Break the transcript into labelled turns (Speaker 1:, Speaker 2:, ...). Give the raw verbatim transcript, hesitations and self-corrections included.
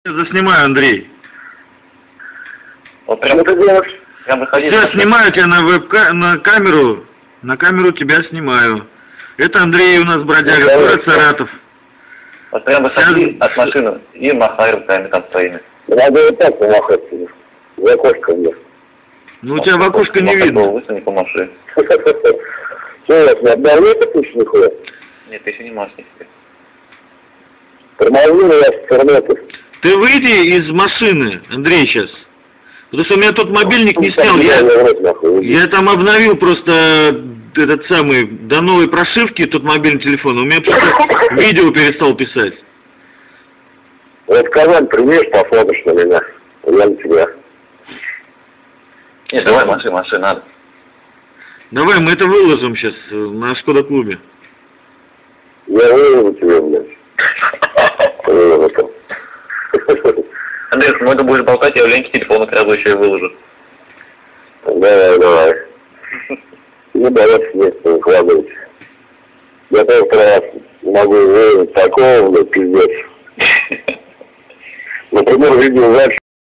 Speaker 1: Заснимаю, Андрей.
Speaker 2: Вот прям это делаешь? Прям выходи.
Speaker 1: Я снимаю тебя на веб на камеру, на камеру тебя снимаю. Это Андрей у нас бродяга, город Саратов.
Speaker 2: Вот прям выходи от машины и махай руками там своими.
Speaker 3: Надо вот так помахать, в окошко мне.
Speaker 1: Ну у тебя в окошко не видно.
Speaker 2: Высуни, помаши.
Speaker 3: Что у вас, не обновляется пусть не ходит?
Speaker 2: Нет, ты еще не можешь не себе.
Speaker 3: Тормозили вас с интернета.
Speaker 1: Ты выйди из машины, Андрей, сейчас. Потому что у меня тот мобильник не снял. Я, я там обновил просто этот самый, до новой прошивки тот мобильный телефон. У меня просто видео перестал писать.
Speaker 3: Вот Казань приедешь, посмотришь на меня. Я на тебя.
Speaker 2: Нет, давай маши, маши, надо.
Speaker 1: Давай, мы это выложим сейчас на Шкода-клубе.
Speaker 3: Я выложу тебе, блядь. Выложу.
Speaker 2: Андрей, ну это будешь болтать, я в ленте телефона сразу еще и выложу.
Speaker 3: Давай, давай. Не бояться, нет, не укладывать. Я только раз могу выложить такого, блядь, пиздец. Например, видеозапись.